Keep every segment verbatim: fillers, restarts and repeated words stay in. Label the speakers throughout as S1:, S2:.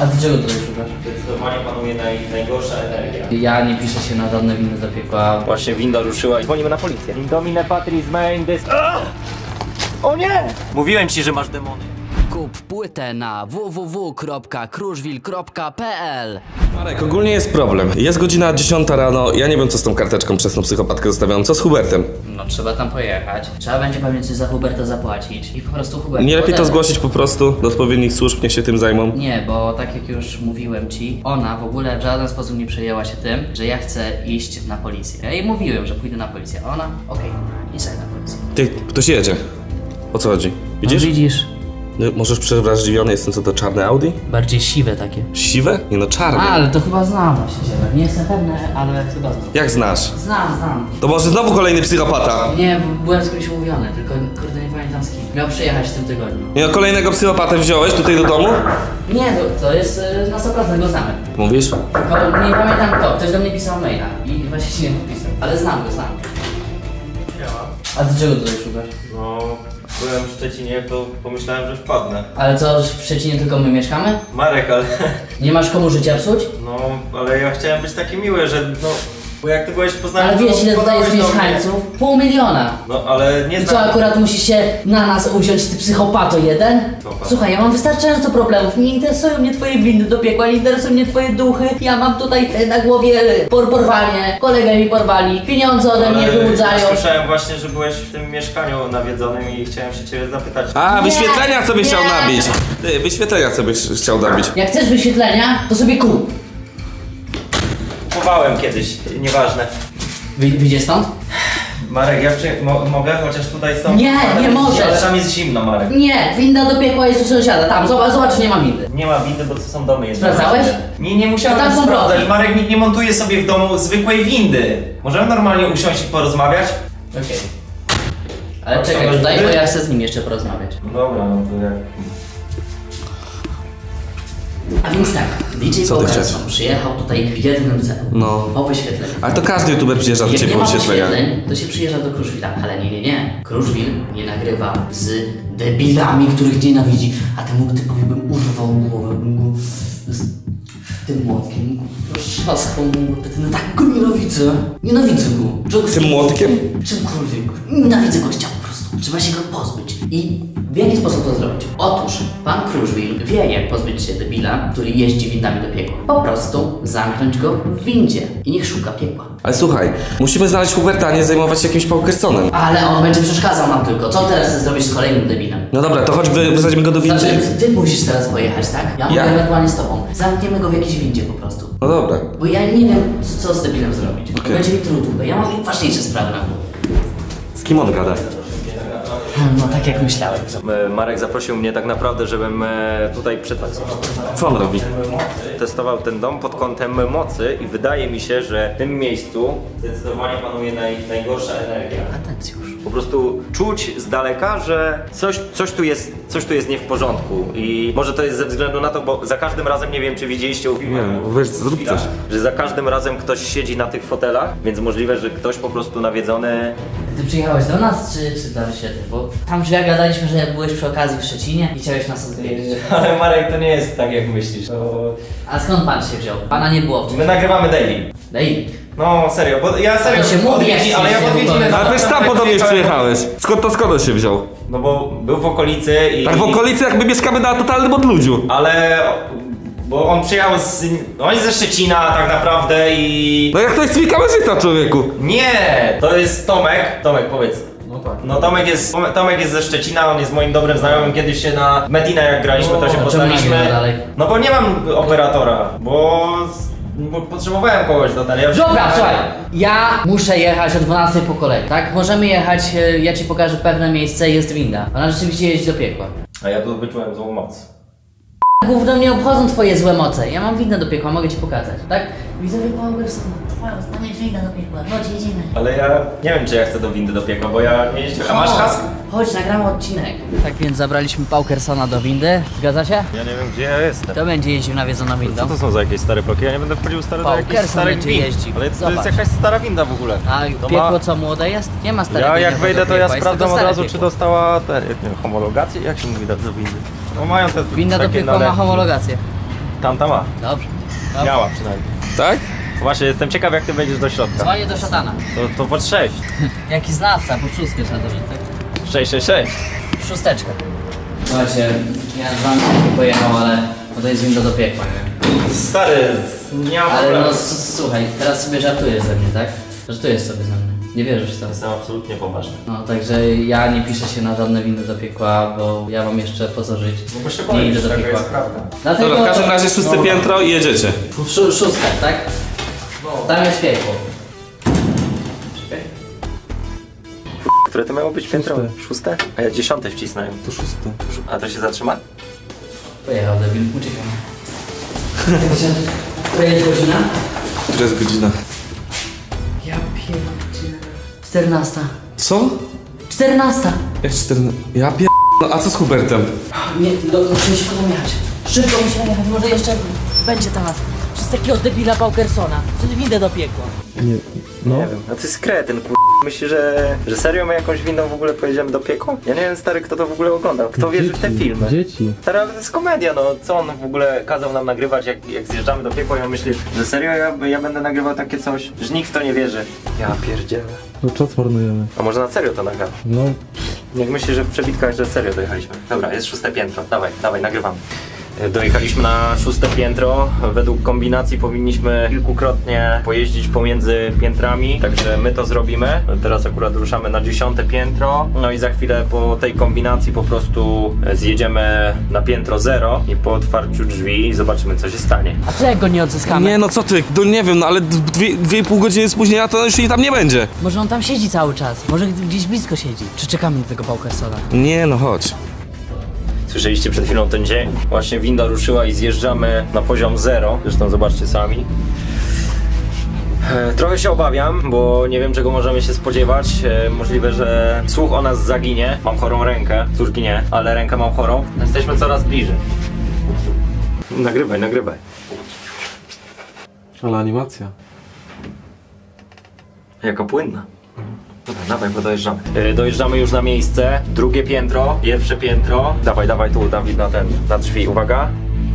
S1: A ty czego tutaj szukasz?
S2: Zdecydowanie panuje naj, najgorsza energia.
S1: Ja nie piszę się na żadne windy do piekła.
S2: Właśnie winda ruszyła i dzwonimy na policję. Indomine patris main dys... O nie! Mówiłem ci, że masz demony.
S3: Kup płytę na w w w kropka kruszwil kropka p l.
S4: Marek, ogólnie jest problem. Jest godzina dziesiąta rano, ja nie wiem co z tą karteczką przez tą psychopatkę zostawiam. Co z Hubertem?
S1: No trzeba tam pojechać. Trzeba będzie pewnie coś za Huberta zapłacić. I po prostu Hubert...
S4: Nie lepiej to
S1: podebrać.
S4: zgłosić po prostu do odpowiednich służb, niech się tym zajmą.
S1: Nie, bo tak jak już mówiłem ci, ona w ogóle w żaden sposób nie przejęła się tym, że ja chcę iść na policję. Ja jej mówiłem, że pójdę na policję, a ona, okej, okay, idź sobie na policję.
S4: Ty, ktoś jedzie. O co chodzi? Widzisz?
S1: No, widzisz?
S4: No, możesz przewrażliwiony jestem, co to czarne Audi?
S1: Bardziej siwe takie.
S4: Siwe? Nie no, czarne.
S1: A, ale to chyba znam właściciela. Nie jestem pewny, ale chyba znam.
S4: Jak znasz?
S1: Znam, znam.
S4: To może znowu kolejny psychopata?
S1: Nie, byłem z kimś umówiony, tylko kurde nie pamiętam z kim. Miał przyjechać w tym tygodniu.
S4: Nie no, kolejnego psychopatę wziąłeś tutaj do domu?
S1: Nie, to, to jest y, na sto procent go znamy.
S4: Mówisz?
S1: Tylko nie pamiętam kto, ktoś do mnie pisał maila i właśnie się nie podpisał. Ale znam go, znam. A ty czego tutaj szukasz?
S2: No, byłem w Szczecinie, to pomyślałem, że wpadnę.
S1: Ale co, w Szczecinie tylko my mieszkamy?
S2: Marek, ale...
S1: Nie masz komu życia psuć?
S2: No, ale ja chciałem być taki miły, że no... Bo jak ty byłeś w Poznaniu...
S1: Ale
S2: to
S1: wiesz ile tutaj jest
S2: podałeś do mnie.
S1: mieszkańców? Pół miliona.
S2: No, ale nie
S1: I co,
S2: znam...
S1: akurat musisz się na nas uwziąć, ty psychopato jeden?
S2: Psychopato.
S1: Słuchaj, ja mam wystarczająco problemów. Nie interesują mnie twoje windy do piekła, nie interesują mnie twoje duchy. Ja mam tutaj e, na głowie por porwanie, kolegę mi porwali, pieniądze ode mnie
S2: Ale
S1: wyłudzają.
S2: słyszałem właśnie, że byłeś w tym mieszkaniu nawiedzonym i chciałem się ciebie zapytać.
S4: A,
S1: Nie,
S4: wyświetlenia co byś chciał
S1: nie.
S4: nabić. Ty, wyświetlenia co byś chciał nabić.
S1: Jak chcesz wyświetlenia, to sobie kup.
S2: Kupowałem kiedyś, nieważne.
S1: Wy, wyjdzie stąd?
S2: Marek, ja przy... Mo mogę chociaż tutaj stąd...
S1: Nie, nie możesz.
S2: Ale tam jest zimno, Marek.
S1: Nie, winda do piekła jest u sąsiada. Tam, zobacz, zobacz, nie ma windy.
S2: Nie ma windy, bo to są domy jedno.
S1: Sprawdzałeś?
S2: Nie, nie musiałem
S1: To tam są
S2: sprawdzać.
S1: bloki.
S2: Marek, nikt nie montuje sobie w domu zwykłej windy. Możemy normalnie usiąść i porozmawiać?
S1: Okej. Ale
S2: A
S1: czekaj
S2: co,
S1: tutaj,
S2: windy?
S1: bo ja chcę z nim jeszcze porozmawiać.
S2: No dobra, no to jak...
S1: A więc tak, D J
S4: Co ty
S1: Bogarson
S4: chcesz?
S1: przyjechał tutaj w jednym celu.
S4: No.
S1: Po wyświetleniu.
S4: Ale to każdy youtuber przyjeżdża do
S1: Jak
S4: ciebie
S1: nie
S4: po
S1: ma
S4: wyświetlenia.
S1: wyświetleń, to się przyjeżdża do Kruszwila. Ale nie, nie, nie. Kruszwil nie nagrywa z debilami, których nienawidzi. A temu typowi bym urwał głowę, bym go z tym młotkiem roztrzaskał mu łopetę. No tak go nienawidzę. Nienawidzę go. Czego-
S4: Tym młotkiem?
S1: Czymkolwiek. Nienawidzę gościa po prostu. Trzeba się go pozbyć. I w jaki sposób to zrobić? Otóż pan Kruszwil wie, jak pozbyć się debila, który jeździ windami do piekła. Po prostu zamknąć go w windzie i niech szuka piekła.
S4: Ale słuchaj, musimy znaleźć Huberta, a nie zajmować się jakimś Paukersonem.
S1: Ale on będzie przeszkadzał nam tylko. Co teraz chcesz zrobić z kolejnym debilem?
S4: No dobra, to chodź wy- wysadzimy go do windy.
S1: Znaczy, ty musisz teraz pojechać, tak? Ja mogę
S4: Ja?
S1: ewentualnie z tobą. Zamkniemy go w jakiejś windzie po prostu.
S4: No dobra.
S1: Bo ja nie wiem, co, co z debilem zrobić.
S4: Okej.
S1: Będzie mi trudno. Ja mam ważniejsze sprawy na głowie.
S4: Z kim on gada?
S1: No tak jak myślałem.
S2: E, Marek zaprosił mnie tak naprawdę, żebym e, tutaj przytacował.
S4: Co on robi?
S2: Testował ten dom pod kątem mocy i wydaje mi się, że w tym miejscu zdecydowanie panuje naj, najgorsza energia.
S1: Atencjusz.
S2: Po prostu czuć z daleka, że coś, coś, tu jest, coś tu jest nie w porządku i może to jest ze względu na to, bo za każdym razem, nie wiem czy widzieliście u filmach,
S4: Nie wiem, weź, zrób coś.
S2: że za każdym razem ktoś siedzi na tych fotelach, więc możliwe, że ktoś po prostu nawiedzony.
S1: Ty przyjechałeś do nas, czy, czy dla wyświetleń? Bo tam drzwiach gadaliśmy, że byłeś przy okazji w Szczecinie i chciałeś nas odwiedzić.
S2: Ale Marek, to nie jest tak jak myślisz. To...
S1: A skąd pan się wziął? Pana nie było
S2: My
S1: wcześniej.
S2: nagrywamy daily.
S1: Daj.
S2: No serio, bo ja serio
S1: to się mówi, jak
S2: odwiedzi,
S1: się
S2: ale ja
S1: nie
S2: odwiedziny...
S1: mówi.
S4: Ale weź sam po do mnie przyjechałeś. Skąd to skąd on się wziął?
S2: No bo był w okolicy i...
S4: Tak w okolicy jakby mieszkamy na totalnym odludziu.
S2: Ale... Bo on przyjechał z... On jest ze Szczecina tak naprawdę i...
S4: No jak to jest twój kamerzysta, człowieku?
S2: Nie! To jest Tomek. Tomek, powiedz.
S1: No tak.
S2: No Tomek jest, Tomek jest ze Szczecina, on jest moim dobrym znajomym. Kiedyś się na Metina jak graliśmy, to się
S1: czemu
S2: poznaliśmy.
S1: nagrywa dalej?
S2: No bo nie mam operatora, bo... bo potrzebowałem kogoś do tego. Ja
S1: Dobra, słuchaj, ja muszę jechać o dwunastej po kolei, tak? Możemy jechać, e, ja ci pokażę pewne miejsce, jest winda. Ona rzeczywiście jeździ do piekła.
S2: A ja tu wyczułem złą moc.
S1: Gówno mnie obchodzą twoje złe moce. Ja mam windę do piekła, mogę ci pokazać, tak? Widzowie Powerson, tam jest winda do piekła, chodź, jedziemy.
S2: Ale ja nie wiem, czy ja chcę do windy do piekła, bo ja nie jeździłem. A masz kask?
S1: Chodź, nagramy odcinek. Tak więc zabraliśmy Paukersona do windy, zgadza się?
S2: Ja nie wiem, gdzie ja jestem.
S1: To będzie jeździł nawiedzoną windą.
S2: Co to są za jakieś stare bloki? Ja nie będę wchodził stary do
S1: Paukerson
S2: jakichś starych
S1: będzie
S2: wind.
S1: jeździł.
S2: Ale to
S1: Zobacz.
S2: jest jakaś stara winda w ogóle.
S1: A
S2: To
S1: piekło
S2: ma-
S1: co młode jest? Nie ma starego.
S2: Ja jak
S1: piekła
S2: wejdę,
S1: do
S2: to ja
S1: piekła, jest
S2: sprawdzam
S1: tylko
S2: od
S1: stare
S2: razu, czy
S1: piekło.
S2: dostała te, nie wiem, homologację? Jak się mówi do, do windy? No mają te
S1: Winda do
S2: takie
S1: piekła ma
S2: nalepki.
S1: homologację.
S2: tamta ma.
S3: Dobrze. Dobrze.
S2: Miała przynajmniej.
S4: Tak?
S2: Właśnie, jestem ciekaw jak ty wejdziesz do środka.
S3: Dzwonię do szatana.
S2: To, to pod sześć.
S3: Jaki znawca, po szóstkę trzeba dowiedzieć, tak?
S2: sześć, sześć, sześć.
S3: Szósteczkę. Słuchajcie, ja z wami nie pojechał, ale bo to jest winda do piekła, nie?
S2: Stary, nie ma
S3: Ale
S2: problemu.
S3: no s- słuchaj, teraz sobie żartujesz ze mnie, tak? Żartujesz sobie ze mnie. Nie wierzysz w to.
S2: Jestem absolutnie poważny.
S3: No, także ja nie piszę się na żadne windy do piekła, bo ja mam jeszcze po co żyć.
S2: No bo się
S3: nie
S2: boisz,
S3: idę do
S2: taka
S3: piekła.
S2: jest prawda.
S3: Dlatego...
S4: Dobra, w każdym razie szóste
S3: no,
S4: piętro i jedziecie.
S3: Szó szóstka, tak? Tam jest piekło. Czekaj.
S2: Które to miało być piętro? Szóste? A ja dziesiąte wcisnąłem.
S4: To szóste.
S2: A to się zatrzyma?
S3: Pojechał debil, uciekam. To jest godzina?
S4: Która jest godzina?
S3: Ja pierdzielę. czternasta.
S4: Co?
S3: czternasta.
S4: Jak czternaście? Ja pier... No a co z Hubertem?
S3: Nie, no, musimy się potem jechać. Szybko musimy jechać, może jeszcze będzie temat. Przez takiego debila Paukersona. Przez windę do piekła.
S5: Nie, no.
S2: Nie wiem. No to jest kretyn, kur... Myślisz, że, że serio my jakąś windą w ogóle pojedziemy do piekła? Ja nie wiem, stary, kto to w ogóle oglądał. Kto wierzy w te filmy?
S5: Dzieci.
S2: Stary, ale to jest komedia, no. Co on w ogóle kazał nam nagrywać, jak, jak zjeżdżamy do piekła i on myśli, że serio ja, ja będę nagrywał takie coś? Że nikt w to nie wierzy. Ja pierdzielę.
S5: No czas marnujemy.
S2: A może na serio to nagramy?
S5: No,
S2: Jak myślisz, że w przebitkach, że serio dojechaliśmy? Dobra, jest szóste piętro. Dawaj, dawaj, nagrywamy. Dojechaliśmy na szóste piętro. Według kombinacji powinniśmy kilkukrotnie pojeździć pomiędzy piętrami, także my to zrobimy. Teraz akurat ruszamy na dziesiąte piętro. No i za chwilę po tej kombinacji po prostu zjedziemy na piętro zero i po otwarciu drzwi zobaczymy, co się stanie.
S3: A co jak go nie odzyskamy?
S4: Nie no co ty, no nie wiem, no ale dwie, dwie i pół godziny spóźnienia to już jej tam nie będzie.
S3: Może on tam siedzi cały czas. Może gdzieś blisko siedzi. Czy czekamy na tego Paukersona?
S4: Nie no chodź.
S2: Słyszeliście przed chwilą ten dzień? Właśnie winda ruszyła i zjeżdżamy na poziom zero. Zresztą zobaczcie sami. E, Trochę się obawiam, bo nie wiem czego możemy się spodziewać. E, Możliwe, że słuch o nas zaginie. Mam chorą rękę, córki nie, ale rękę mam chorą. Jesteśmy coraz bliżej. Nagrywaj, nagrywaj.
S5: ale animacja.
S2: Jaka płynna. Dobra, dawaj, bo dojeżdżamy. Yy, dojeżdżamy już na miejsce. Drugie piętro, pierwsze piętro. Dawaj, dawaj tu, Dawid, na ten, na drzwi. Uwaga.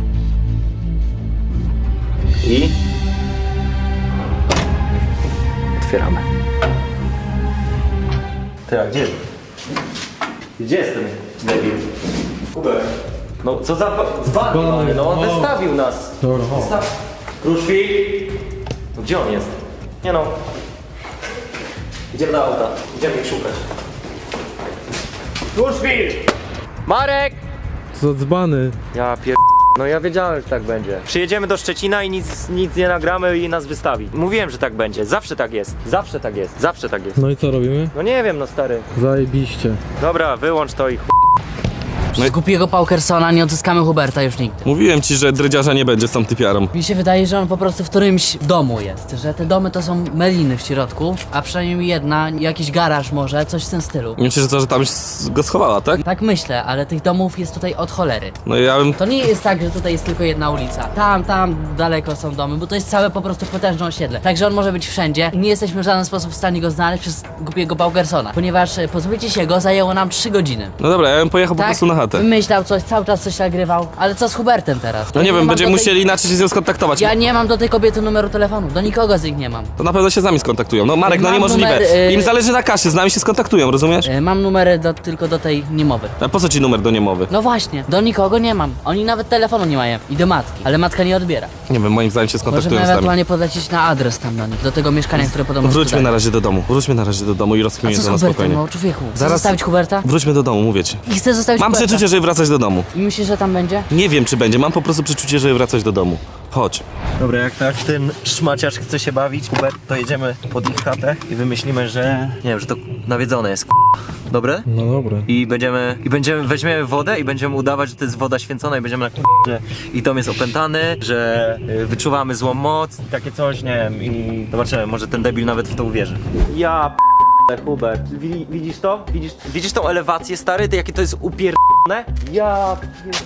S2: I... Otwieramy. Ty, a gdzie? Gdzie jestem, debil? Hubert. No, co za... Dzban mamy, no, on wystawił nas.
S5: Dobra, o.
S2: Wystaw... Kruszwil. Gdzie on jest? Nie no. Idziemy do auta. Idziemy ich szukać. Kruszwil! Marek!
S5: Co za dzbany.
S2: Ja pier... No ja wiedziałem, że tak będzie. Przyjedziemy do Szczecina i nic, nic nie nagramy i nas wystawi. Mówiłem, że tak będzie. Zawsze tak jest. Zawsze tak jest. Zawsze tak jest.
S5: No i co robimy?
S2: No nie wiem, no stary.
S5: Zajebiście.
S2: Dobra, wyłącz to i ch...
S3: Z głupiego Paukersona nie odzyskamy Huberta już nigdy.
S4: Mówiłem ci, że drydziarza nie będzie z tą typiarą.
S3: Mi się wydaje, że on po prostu w którymś domu jest, że te domy to są meliny w środku, a przynajmniej jedna, jakiś garaż może, coś w tym stylu.
S4: Myślę, że to, że tam s- go schowała, tak?
S3: Tak myślę, ale tych domów jest tutaj od cholery.
S4: No ja bym...
S3: To nie jest tak, że tutaj jest tylko jedna ulica. Tam, tam daleko są domy, bo to jest całe po prostu potężne osiedle. Także on może być wszędzie i nie jesteśmy w żaden sposób w stanie go znaleźć przez głupiego Paukersona. Ponieważ e, pozbycie się go zajęło nam trzy godziny.
S4: No dobra, ja bym pojechał po prostu na chatę.
S3: Wymyślał coś, cały czas coś nagrywał. Ale co z Hubertem teraz?
S4: No
S3: Ja
S4: nie wiem,
S3: mam
S4: będziemy
S3: do tej-
S4: musieli inaczej się z nią skontaktować.
S3: Ja nie mam do tej kobiety numeru telefonu, do nikogo z nich nie mam.
S4: To na pewno się z nami skontaktują. No Marek, no
S3: Mam
S4: niemożliwe.
S3: numer, y-
S4: Im zależy na kasie, z nami się skontaktują, rozumiesz?
S3: E, mam numery do, tylko do tej niemowy.
S4: A po co ci numer do niemowy?
S3: No właśnie, do nikogo nie mam. Oni nawet telefonu nie mają. I do matki. Ale matka nie odbiera.
S4: Nie wiem, moim zdaniem się
S3: Możemy
S4: skontaktują z nami.
S3: ewentualnie podlecieć na adres tam do nich, do tego mieszkania, które podobno
S4: Wróćmy
S3: sprzedają.
S4: na razie do domu. Wróćmy na razie do domu i
S3: A
S4: rozkminimy
S3: co z
S4: to na
S3: Hubertem,
S4: spokojnie.
S3: no człowieku? Chcesz
S4: Zaraz-
S3: zostawić Huberta?
S4: Wróćmy do domu, mówię ci.
S3: I chcę zostawić
S4: Mam
S3: Huberta.
S4: przeczucie, żeby wracać do domu.
S3: I myślisz, że tam będzie?
S4: Nie wiem, czy będzie. Mam po prostu przeczucie, żeby wracać do domu. Chodź.
S2: Dobra, jak tak ten szmaciarz chce się bawić, Hubert, to jedziemy pod ich chatę i wymyślimy, że... Nie wiem, że to nawiedzone jest, k***. Dobre?
S5: No dobra.
S2: I będziemy, i będziemy, weźmiemy wodę i będziemy udawać, że to jest woda święcona i będziemy na k***, że i dom jest opętany, że y, wyczuwamy złą moc, takie coś, nie wiem, i zobaczymy, może ten debil nawet w to uwierzy. Ja p***e, Hubert, Wi- widzisz to? Widzisz, widzisz tą elewację, stary? Ty, jakie to jest upierdolone? Ja pier...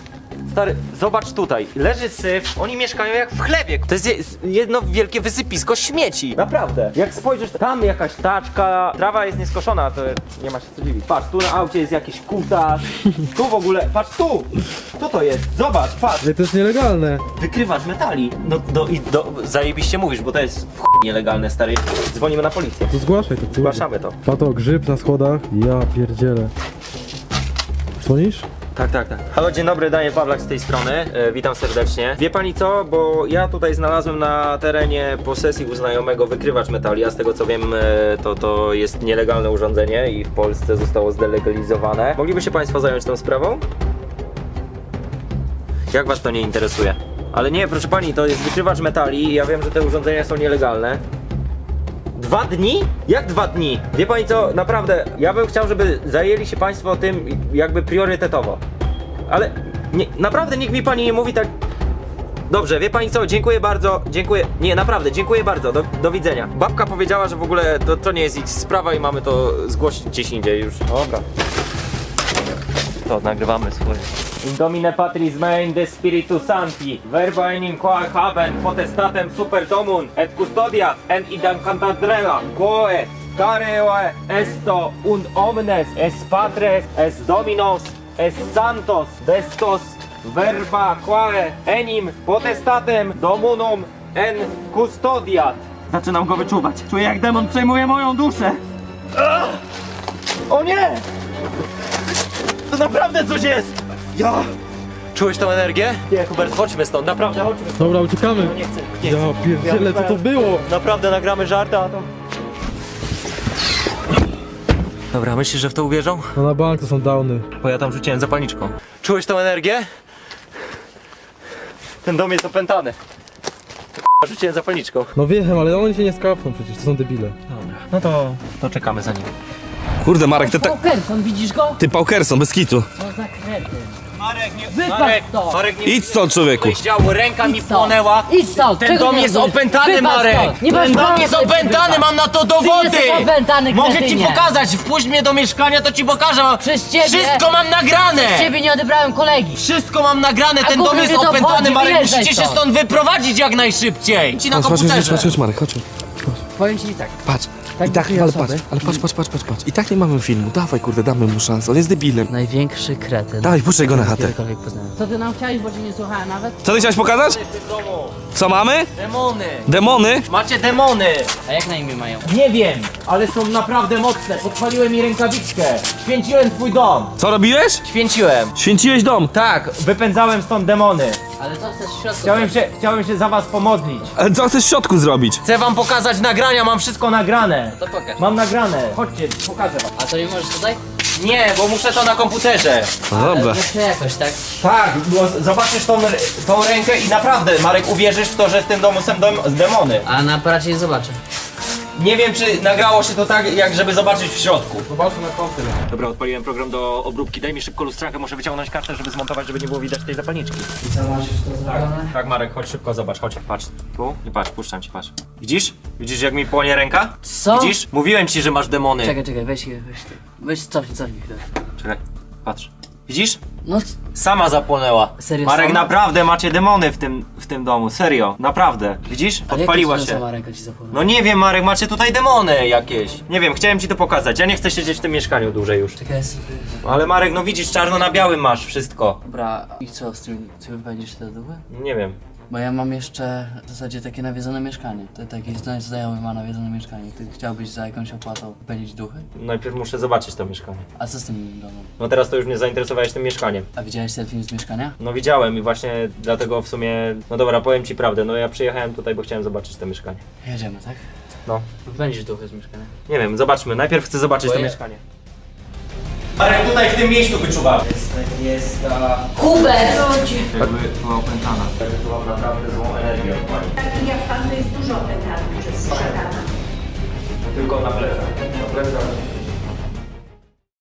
S2: Stary, zobacz tutaj, leży syf, oni mieszkają jak w chlebie. To jest je- jedno wielkie wysypisko śmieci. Naprawdę. Jak spojrzysz, tam jakaś taczka, trawa jest nieskoszona, to nie ma się co dziwić. Patrz, tu na aucie jest jakiś kutas, tu w ogóle, patrz tu! Co to jest? Zobacz, patrz!
S5: Ale to jest nielegalne.
S2: Wykrywacz metali. No, do, i do, zajebiście mówisz, bo to jest w chuj nielegalne, stary. Dzwonimy na policję.
S5: To zgłaszaj to, kurde.
S2: Zgłaszamy to.
S5: Pato, grzyb na schodach. Ja pierdzielę. Dzwonisz?
S2: Tak, tak, tak. Halo, dzień dobry, Daniel Pawlak z tej strony. E, witam serdecznie. Wie pani co, bo ja tutaj znalazłem na terenie posesji u znajomego wykrywacz metali, a z tego co wiem, e, to, to jest nielegalne urządzenie i w Polsce zostało zdelegalizowane. Mogliby się państwo zająć tą sprawą? Jak was to nie interesuje? Ale nie, proszę pani, to jest wykrywacz metali i ja wiem, że te urządzenia są nielegalne. Dwa dni? Jak dwa dni? Wie pani co, naprawdę, ja bym chciał, żeby zajęli się państwo tym jakby priorytetowo. Ale nie, naprawdę nikt mi pani nie mówi tak... Dobrze, wie pani co, dziękuję bardzo, dziękuję... Nie, naprawdę, dziękuję bardzo, do, do widzenia. Babka powiedziała, że w ogóle to, to nie jest ich sprawa i mamy to zgłosić gdzieś indziej już. Dobra. To, nagrywamy swoje. In domine patris mein de spiritu sancti, verba enim quae haben potestatem super domun et custodiat en idam cantadrela, quae careoe esto und omnes es patres es dominos es santos vestos verba quae enim potestatem domunum en custodiat. Zaczynam go wyczuwać. Czuję, jak demon przejmuje moją duszę. Ach! O nie! To naprawdę coś jest! Ja! Czułeś tą energię? Nie, Hubert, chodźmy stąd, naprawdę, chodźmy stąd.
S5: Dobra, uciekamy.
S2: No nie chcę, nie
S5: Ja
S2: chcę.
S5: pierdzielę, co to było?
S2: Naprawdę nagramy żarta, a to... Dobra, myślisz, że w to uwierzą?
S5: No na bank to są downy.
S2: Bo ja tam rzuciłem zapalniczką. Czułeś tą energię? Ten dom jest opętany. To rzuciłem zapalniczką.
S5: No wiem, ale oni się nie skapną przecież, to są debile.
S2: Dobra. No to... to czekamy za nim.
S4: Kurde, Marek, ty, ta,
S3: Paukerson, widzisz go?
S4: ty Paukerson, bez kitu.
S3: Co za kretyn.
S2: Marek, nie...
S3: Wypadł
S2: Marek,
S3: stąd.
S2: Marek, nie...
S4: Idź stąd, człowieku.
S2: Działo, ręka mi
S3: Idź stąd.
S2: płonęła.
S3: Idź stąd.
S2: Ten
S3: Czego
S2: dom
S3: nie
S2: jest
S3: rozumiesz?
S2: opętany,
S3: Wypadł
S2: Marek!
S3: stąd. Nie masz
S2: Ten dom
S3: prawa
S2: jest
S3: tutaj
S2: opętany,
S3: wypadł.
S2: mam na to
S3: Ty
S2: dowody!
S3: jesteś opętany,
S2: Mogę ci
S3: kretynie.
S2: pokazać, wpuść mnie do mieszkania, to ci pokażę. Mam...
S3: Przez ciebie-
S2: Wszystko mam nagrane!
S3: Z ciebie nie odebrałem kolegi.
S2: Wszystko mam nagrane,
S3: A
S2: ten dom
S3: gówno
S2: jest
S3: mnie to
S2: opętany,
S3: obchodzi,
S2: Marek,
S3: wyjeżdżaj
S2: musicie się
S3: stąd.
S2: stąd wyprowadzić jak najszybciej! Ci na
S4: Chodź, chodź, chodź,
S2: komputerze.
S4: chodź, chodź, Marek, chodź.
S3: Powiem ci tak.
S4: Patrz.
S3: Tak
S4: I tak,
S3: dwie
S4: ale
S3: osoby.
S4: patrz, ale patrz, patrz, patrz, patrz, patrz. I tak nie mamy filmu. Dawaj, kurde, damy mu szansę. On jest debilem.
S3: Największy kretyn.
S4: Dawaj, puszczaj go na chatę.
S3: Kiedykolwiek poznałem. Co ty nam chciałeś, bo cię nie słuchałem nawet?
S4: Co ty chciałeś pokazać? Co mamy?
S2: Demony!
S4: Demony?
S2: Macie demony!
S3: A jak na imię mają?
S2: Nie wiem, ale są naprawdę mocne. Podpaliłem mi rękawiczkę. Święciłem twój dom.
S4: Co robiłeś?
S2: Święciłem.
S4: Święciłeś dom.
S2: Tak, wypędzałem stąd demony.
S3: Ale co chcesz w środku?
S2: Chciałem się, chciałem się za was pomodlić.
S4: Ale co chcesz w środku zrobić?
S2: Chcę wam pokazać nagrania, mam wszystko nagrane.
S3: To pokaż.
S2: Mam nagrane. Chodźcie, pokażę wam.
S3: A to nie możesz tutaj?
S2: Nie, bo muszę to na komputerze.
S4: No dobra.
S3: Jeszcze jakoś, tak?
S2: Tak, bo z- zobaczysz tą, r- tą rękę i naprawdę, Marek, uwierzysz w to, że w tym domu są dom- demony.
S3: A na aparacie nie zobaczę.
S2: Nie wiem, czy nagrało się to tak, jak żeby zobaczyć w środku. Zobaczmy na komputer. Dobra, odpaliłem program do obróbki. Daj mi szybko lustrankę, muszę wyciągnąć kartę, żeby zmontować, żeby nie było widać tej zapalniczki.
S3: I co, masz już to zrobione?
S2: Tak, Marek, chodź szybko, zobacz, chodź, patrz. Tu i patrz, puszczam ci, patrz. Widzisz? Widzisz, jak mi płonie ręka?
S3: Co?
S2: Widzisz? Mówiłem ci, że masz demony.
S3: Czekaj, czekaj, weź, weź, weź, cofnij, cofnij chwilę.
S2: Czekaj, patrz. Widzisz?
S3: No, c-
S2: Sama zapłonęła.
S3: Serio,
S2: Marek,
S3: sama?
S2: naprawdę macie demony w tym, w tym domu, serio, naprawdę. Widzisz?
S3: ale
S2: Podpaliła
S3: jak to
S2: się.
S3: sama ręka ci zapomniała?
S2: No nie wiem, Marek, macie tutaj demony jakieś. Nie wiem, chciałem ci to pokazać. Ja nie chcę siedzieć w tym mieszkaniu dłużej już.
S3: Czekaj, jest...
S2: Ale Marek, no widzisz, czarno na białym masz wszystko.
S3: Dobra, i co z tym, ty będziesz te duchy?
S2: Nie wiem.
S3: Bo ja mam jeszcze w zasadzie takie nawiedzone mieszkanie. To taki zna- znajomy ma nawiedzone mieszkanie. Ty chciałbyś za jakąś opłatą pędzić duchy?
S2: Najpierw muszę zobaczyć to mieszkanie.
S3: A co z tym domem?
S2: No teraz to już mnie zainteresowałeś tym mieszkaniem.
S3: A widziałeś ten film z mieszkania?
S2: No widziałem i właśnie dlatego w sumie... No dobra, powiem ci prawdę, no ja przyjechałem tutaj, bo chciałem zobaczyć to mieszkanie.
S3: Jedziemy, tak?
S2: No.
S3: Będziesz duchy z mieszkania.
S2: Nie wiem, zobaczmy. Najpierw chcę zobaczyć
S3: Bo
S2: to
S3: ja-
S2: mieszkanie. Marek, tutaj w tym miejscu wyczuwam. Jest, jest ta...
S3: Hubert!
S2: Jakby była opętana. Jakby była naprawdę złą energię od pani.
S6: Taki jak pan to jest dużo opętany przez szatana.
S2: Tylko na ple...